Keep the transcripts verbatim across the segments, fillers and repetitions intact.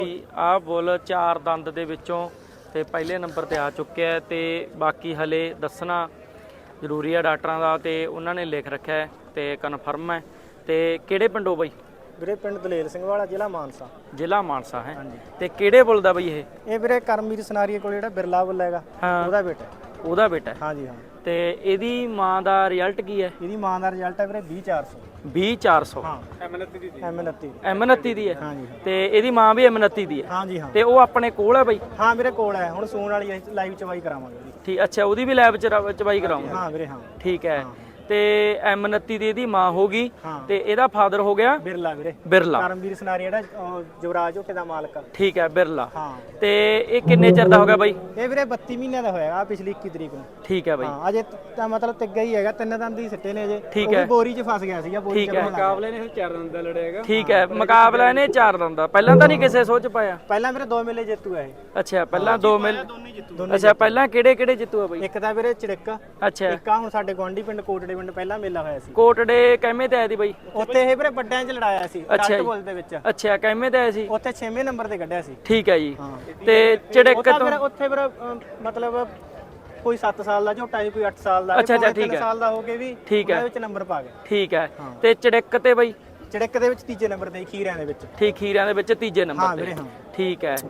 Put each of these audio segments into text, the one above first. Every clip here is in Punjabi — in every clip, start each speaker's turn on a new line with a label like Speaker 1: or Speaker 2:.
Speaker 1: ਆ ਬੁੱਲ ਚਾਰ ਦੰਦ ਦੇ ਵਿੱਚੋਂ ਤੇ ਪਹਿਲੇ ਨੰਬਰ ਤੇ ਆ ਚੁੱਕਿਆ ਤੇ ਬਾਕੀ ਹਲੇ ਦੱਸਣਾ ਜ਼ਰੂਰੀ ਹੈ ਡਾਕਟਰਾਂ ਦਾ ਤੇ ਉਹਨਾਂ ਨੇ ਲਿਖ ਰੱਖਿਆ ਹੈ ਤੇ ਕਨਫਰਮ ਹੈ। ਤੇ ਕਿਹੜੇ ਪਿੰਡੋਂ ਬਈ?
Speaker 2: ਵੀਰੇ ਪਿੰਡ ਦਲੇਲ ਸਿੰਘ ਵਾਲਾ, ਜ਼ਿਲ੍ਹਾ ਮਾਨਸਾ।
Speaker 1: ਜ਼ਿਲ੍ਹਾ ਮਾਨਸਾ ਹੈ। ਤੇ ਕਿਹੜੇ ਬੁੱਲ ਦਾ ਬਈ ਇਹ?
Speaker 2: ਇਹ ਵੀਰੇ ਕਰਮਵੀਰ ਸਨਾਰੀਏ ਕੋਲ ਜਿਹੜਾ ਬਿਰਲਾ ਬੁੱਲ ਹੈਗਾ ਉਹਦਾ ਬੇਟਾ।
Speaker 1: ਉਹਦਾ ਬੇਟਾ?
Speaker 2: ਹਾਂਜੀ ਹਾਂ।
Speaker 1: ਤੇ ਇਹਦੀ ਮਾਂ ਦਾ ਰਿਜ਼ਲਟ ਕੀ ਹੈ?
Speaker 2: ਇਹਦੀ ਮਾਂ ਦਾ ਰਿਜ਼ਲਟ ਹੈ ਵੀਰੇ ਵੀਹ ਚਾਰ ਸੌ।
Speaker 1: ਵੀਹ ਚਾਰ ਸੌ?
Speaker 2: ਹਾਂ। ਐਮ ਉਨੱਤੀ ਦੀ। ਐਮ ਉਨੱਤੀ
Speaker 1: ਐਮ ਉਨੱਤੀ ਦੀ ਹੈ।
Speaker 2: ਹਾਂਜੀ।
Speaker 1: ਤੇ ਇਹਦੀ ਮਾਂ ਵੀ ਐਮ ਉਨੱਤੀ ਦੀ ਹੈ?
Speaker 2: ਹਾਂਜੀ ਹਾਂ।
Speaker 1: ਤੇ ਉਹ ਆਪਣੇ ਕੋਲ ਹੈ ਬਈ?
Speaker 2: ਹਾਂ ਵੀਰੇ ਕੋਲ ਹੈ, ਹੁਣ ਸੂਣ ਵਾਲੀ ਲਾਈਵ ਚਵਾਈ ਕਰਾਵਾਂਗੇ ਉਹਦੀ।
Speaker 1: ਠੀਕ, ਅੱਛਾ ਉਹਦੀ ਵੀ ਲੈਬ ਚ ਚਵਾਈ ਕਰਾਉਂਗੇ?
Speaker 2: ਹਾਂ ਵੀਰੇ ਹਾਂ।
Speaker 1: ਠੀਕ ਹੈ। ਤੇ ਐਮ ਉਨੱਤੀ ਦੀ ਇਹਦੀ ਮਾਂ ਹੋ ਗਈ ਤੇ ਇਹਦਾ ਫਾਦਰ ਹੋ ਗਿਆ
Speaker 2: ਬਿਰਲਾ ਵੀਰੇ।
Speaker 1: ਬਿਰਲਾ।
Speaker 2: ਕਰਮਵੀਰ ਸਨਾਰੀ ਜਿਹੜਾ ਜਵਰਾਜ ਝੋਟੇ ਦਾ ਮਾਲਕ।
Speaker 1: ਠੀਕ ਹੈ ਬਿਰਲਾ।
Speaker 2: ਹਾਂ।
Speaker 1: ਤੇ ਇਹ ਕਿੰਨੇ ਚਿਰ ਦਾ ਹੋ ਗਿਆ ਬਾਈ?
Speaker 2: ਇਹ ਵੀਰੇ ਬੱਤੀ ਮਹੀਨਿਆਂ ਦਾ ਹੋਇਆ ਪਿਛਲੀ ਇੱਕੀ ਤਰੀਕ ਨੂੰ।
Speaker 1: ਠੀਕ ਹੈ ਬਾਈ।
Speaker 2: ਹਾਂ ਅਜੇ ਤਾਂ ਮਤਲਬ ਤਿੱਗਾ ਹੀ ਹੈਗਾ, ਤਿੰਨ ਦੰਦ ਹੀ ਸਿੱਟੇ ਨੇ ਅਜੇ।
Speaker 1: ਠੀਕ ਹੈ।
Speaker 2: ਬੋਰੀ 'ਚ ਫਸ ਗਿਆ ਸੀਗਾ ਬੋਰੀ 'ਚ।
Speaker 1: ਮੁਕਾਬਲੇ ਨੇ ਚਾਰ ਦੰਦ ਦਾ ਲੜਿਆ ਹੈਗਾ। ਠੀਕ ਹੈ, ਮੁਕਾਬਲਾ ਇਹਨੇ ਚਾਰ ਦੰਦ ਦਾ। ਪਹਿਲਾਂ ਤਾਂ ਨਹੀਂ ਕਿਸੇ ਸੋਚ ਪਾਇਆ?
Speaker 2: ਪਹਿਲਾਂ ਵੀਰੇ ਦੋ ਮੇਲੇ ਜੇਤੂ ਹੈ ਇਹ।
Speaker 1: ਅੱਛਾ ਪਹਿਲਾਂ ਦੋ ਮੇਲੇ। ਅੱਛਾ ਪਹਿਲਾਂ ਕਿਹੜੇ ਕਿਹੜੇ ਜਿੱਤੂ ਆ ਬਾਈ?
Speaker 2: ਇੱਕ ਤਾਂ ਵੀਰੇ ਚੜਿੱਕ।
Speaker 1: ਅੱਛਾ।
Speaker 2: ਇੱਕ ਆ ਹੁਣ ਸਾਡੇ ਗਵਾਂਢੀ ਪਿੰਡ ਕੋਟੜੇ ਪਿੰਡ ਪਹਿਲਾਂ ਮੇਲਾ ਹੋਇਆ ਸੀ।
Speaker 1: ਕੋਟੜੇ ਕਹਿਮੇ ਤੇ ਆਇਆ ਸੀ ਬਾਈ?
Speaker 2: ਉੱਥੇ ਇਹ ਵੀਰੇ ਵੱਡਿਆਂ 'ਚ ਲੜਾਇਆ ਸੀ ਟੱਟ ਬੁੱਲ ਦੇ ਵਿੱਚ।
Speaker 1: ਅੱਛਾ ਕਹਿਮੇ ਤੇ ਆਇਆ ਸੀ?
Speaker 2: ਉੱਥੇ ਛੇਵੇਂ ਨੰਬਰ ਤੇ ਕੱਢਿਆ ਸੀ।
Speaker 1: ਠੀਕ ਹੈ ਜੀ। ਤੇ ਚੜਿੱਕ ਤੋਂ
Speaker 2: ਉੱਥੇ ਵੀਰੇ ਮਤਲਬ ਕੋਈ ਸੱਤ ਸਾਲ ਦਾ ਝੋਟਾ ਸੀ, ਕੋਈ ਅੱਠ ਸਾਲ ਦਾ।
Speaker 1: ਅੱਛਾ ਅੱਛਾ ਠੀਕ ਹੈ।
Speaker 2: ਸਾਲ ਦਾ ਹੋ ਕੇ ਵੀ ਉਹਦੇ ਵਿੱਚ ਨੰਬਰ ਪਾ ਗਿਆ।
Speaker 1: ਠੀਕ ਹੈ। ਤੇ ਚੜਿੱਕ ਤੇ ਬਾਈ?
Speaker 2: ਚੜਿੱਕ ਦੇ ਵਿੱਚ ਤੀਜੇ ਨੰਬਰ ਤੇ, ਖੀਰਿਆਂ ਦੇ ਵਿੱਚ।
Speaker 1: ਠੀਕ, ਖੀਰਿਆਂ ਦੇ ਵਿੱਚ ਤੀਜੇ ਨੰਬਰ ਤੇ। ਠੀਕ ਹੈ।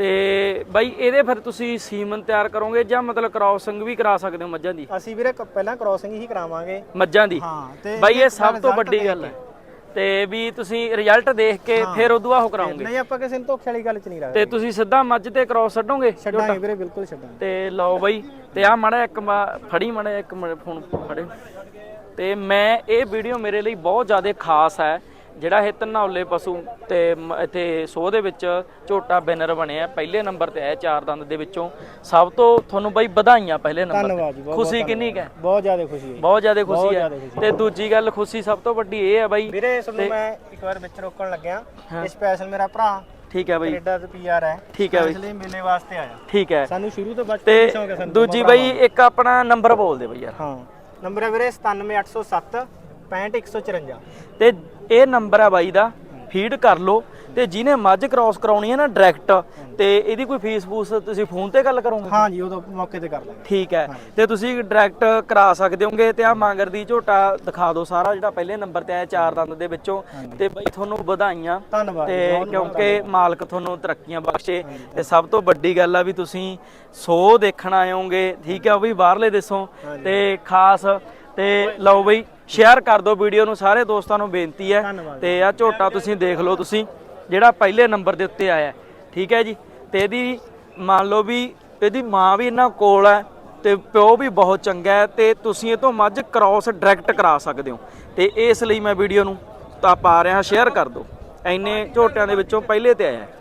Speaker 1: ਤੇ ਬਾਈ ਇਹਦੇ ਫਿਰ ਤੁਸੀਂ ਸੀਮਨ ਤਿਆਰ ਕਰੋਗੇ ਜਾਂ ਮਤਲਬ ਕ੍ਰਾਸਿੰਗ ਵੀ ਕਰਾ ਸਕਦੇ ਹੋ ਮੱਝਾਂ ਦੀ?
Speaker 2: ਅਸੀਂ ਵੀਰੇ ਪਹਿਲਾਂ ਕ੍ਰਾਸਿੰਗ ਹੀ ਕਰਾਵਾਂਗੇ
Speaker 1: ਮੱਝਾਂ ਦੀ।
Speaker 2: ਹਾਂ।
Speaker 1: ਬਾਈ ਇਹ ਸਭ ਤੋਂ ਵੱਡੀ ਗੱਲ ਹੈ ਤੇ ਵੀ ਤੁਸੀਂ ਰਿਜ਼ਲਟ ਦੇਖ ਕੇ ਫਿਰ ਉਦੋਂ ਆਹ ਕਰਾਉਂਗੇ?
Speaker 2: ਨਹੀਂ ਆਪਾਂ ਕਿਸੇ ਨੂੰ ਧੋਖੇ ਵਾਲੀ ਗੱਲ 'ਚ ਨਹੀਂ ਰੱਖਦੇ।
Speaker 1: ਤੇ ਤੁਸੀਂ ਸਿੱਧਾ ਮੱਝ ਤੇ ਕ੍ਰਾਸ ਛੱਡੋਗੇ?
Speaker 2: ਛੱਡਾਂਗੇ ਵੀਰੇ, ਬਿਲਕੁਲ ਛੱਡਾਂਗੇ।
Speaker 1: ਤੇ ਲਓ ਬਾਈ, ਤੇ ਆ ਮਾੜਾ ਇੱਕ ਫੜੀ ਮਾੜਾ ਇੱਕ ਫੋਨ ਫੜੇ। ਤੇ ਮੈਂ ਇਹ ਵੀਡੀਓ ਮੇਰੇ ਲਈ ਬਹੁਤ ਜ਼ਿਆਦਾ ਖਾਸ ਹੈ ਜਿਹੜਾ ਇਹ ਧਨੌਲੇ ਪਸ਼ੂ ਤੇ ਇੱਥੇ ਸੋਹ ਦੇ ਵਿੱਚ ਝੋਟਾ ਵਿਨਰ ਬਣਿਆ, ਪਹਿਲੇ ਨੰਬਰ ਤੇ ਆਇਆ ਚਾਰ ਦੰਦ ਦੇ ਵਿੱਚੋਂ। ਸਭ ਤੋਂ ਤੁਹਾਨੂੰ ਬਾਈ ਵਧਾਈਆਂ ਪਹਿਲੇ ਨੰਬਰ ਤੇ। ਖੁਸ਼ੀ ਕਿੰਨੀ ਹੈ? ਬਹੁਤ ਜ਼ਿਆਦਾ ਖੁਸ਼ੀ ਹੈ। ਬਹੁਤ ਜ਼ਿਆਦਾ ਖੁਸ਼ੀ ਹੈ। ਤੇ ਦੂਜੀ ਗੱਲ ਖੁਸ਼ੀ ਸਭ ਤੋਂ ਵੱਡੀ ਇਹ ਹੈ ਬਾਈ
Speaker 2: ਵੀਰੇ, ਇਸ ਨੂੰ ਮੈਂ ਇੱਕ ਵਾਰ ਵਿੱਚ ਰੋਕਣ ਲੱਗਿਆ। ਇਹ ਸਪੈਸ਼ਲ ਮੇਰਾ ਭਰਾ
Speaker 1: ਠੀਕ ਹੈ ਬਾਈ
Speaker 2: ਕੈਨੇਡਾ ਤੋਂ ਪੀਆਰ ਹੈ। ਠੀਕ ਹੈ ਬਾਈ, ਇਸ ਲਈ ਮੇਲੇ ਵਾਸਤੇ ਆਇਆ।
Speaker 1: ਠੀਕ ਹੈ।
Speaker 2: ਸਾਨੂੰ ਸ਼ੁਰੂ ਤੋਂ ਬਚਪਨ ਤੋਂ ਸ਼ੌਂਕ ਹੈ ਸਾਨੂੰ।
Speaker 1: ਦੂਜੀ ਬਾਈ ਇੱਕ ਆਪਣਾ ਨੰਬਰ ਬੋਲ ਦੇ ਬਾਈ ਯਾਰ।
Speaker 2: ਹਾਂ ਨੰਬਰ ਹੈ ਵੀਰੇ ਸਤਾਨਵੇਂ ਅੱਠ ਸੌ ਸੱਤ ਪੈਂਹਠ ਇੱਕ ਸੌ ਚੁਰੰਜਾ।
Speaker 1: ਤੇ ਇਹ ਨੰਬਰ ਆ ਬਾਈ ਦਾ, ਫੀਡ ਕਰ ਲਓ। ਤੇ ਜਿਹਨੇ ਮੱਝ ਕ੍ਰਾਸ ਕਰਾਉਣੀ ਹੈ ਨਾ ਡਾਇਰੈਕਟ, ਤੇ ਇਹਦੀ ਕੋਈ ਫੀਸ ਫੂਸ ਤੁਸੀਂ ਫੋਨ ਤੇ ਗੱਲ ਕਰੋਗੇ?
Speaker 2: ਹਾਂ ਜੀ, ਉਦੋਂ ਮੌਕੇ ਤੇ ਕਰ ਲਾਂਗੇ। ਠੀਕ
Speaker 1: ਹੈ। ਤੇ ਤੁਸੀਂ ਡਾਇਰੈਕਟ ਕਰਾ ਸਕਦੇ ਹੋਗੇ। ਤੇ ਆ ਮਾਂਗਰ ਦੀ ਝੋਟਾ ਦਿਖਾ ਦਿਓ ਸਾਰਾ ਜਿਹੜਾ ਪਹਿਲੇ ਨੰਬਰ ਤੇ ਆਇਆ ਚਾਰ ਦੰਦ ਦੇ ਵਿੱਚੋਂ। ਤੇ ਬਾਈ ਤੁਹਾਨੂੰ ਵਧਾਈਆਂ।
Speaker 2: ਧੰਨਵਾਦ।
Speaker 1: ਤੇ ਕਿਉਂਕਿ ਮਾਲਕ ਤੁਹਾਨੂੰ ਤਰੱਕੀਆਂ ਬਖਸ਼ੇ। ਤੇ ਸਭ ਤੋਂ ਵੱਡੀ ਗੱਲ ਆ ਵੀ ਤੁਸੀਂ ਸੋ ਦੇਖਣ ਆਏ ਹੋਗੇ, ਠੀਕ ਹੈ, ਉਹ ਵੀ ਬਾਹਰਲੇ ਦੇਸ਼ੋਂ। ਤੇ ਖਾਸ ਤੇ ਲਓ ਬਈ ਸ਼ੇਅਰ ਕਰ ਦਿਓ ਵੀਡੀਓ ਨੂੰ, ਸਾਰੇ ਦੋਸਤਾਂ ਨੂੰ ਬੇਨਤੀ ਹੈ। ਤੇ ਆ ਝੋਟਾ ਤੁਸੀਂ ਦੇਖ ਲਓ, ਤੁਸੀਂ ਜਿਹੜਾ ਪਹਿਲੇ ਨੰਬਰ ਦੇ ਉੱਤੇ ਆਇਆ, ਠੀਕ ਹੈ ਜੀ। ਤੇ ਇਹਦੀ ਮੰਨ ਲਓ ਵੀ ਇਹਦੀ ਮਾਂ ਵੀ ਇਹਨਾਂ ਕੋਲ ਹੈ ਤੇ ਪਿਓ ਵੀ ਬਹੁਤ ਚੰਗਾ ਹੈ, ਤੇ ਤੁਸੀਂ ਇਹ ਤੋਂ ਮੱਝ ਕ੍ਰਾਸ ਡਾਇਰੈਕਟ ਕਰਾ ਸਕਦੇ ਹੋ। ਤੇ ਇਸ ਲਈ ਮੈਂ ਵੀਡੀਓ ਨੂੰ ਤਾਂ ਪਾ ਰਿਹਾ, ਸ਼ੇਅਰ ਕਰ ਦਿਓ। ਇੰਨੇ ਝੋਟਿਆਂ ਦੇ ਵਿੱਚੋਂ ਪਹਿਲੇ ਤੇ ਆਇਆ।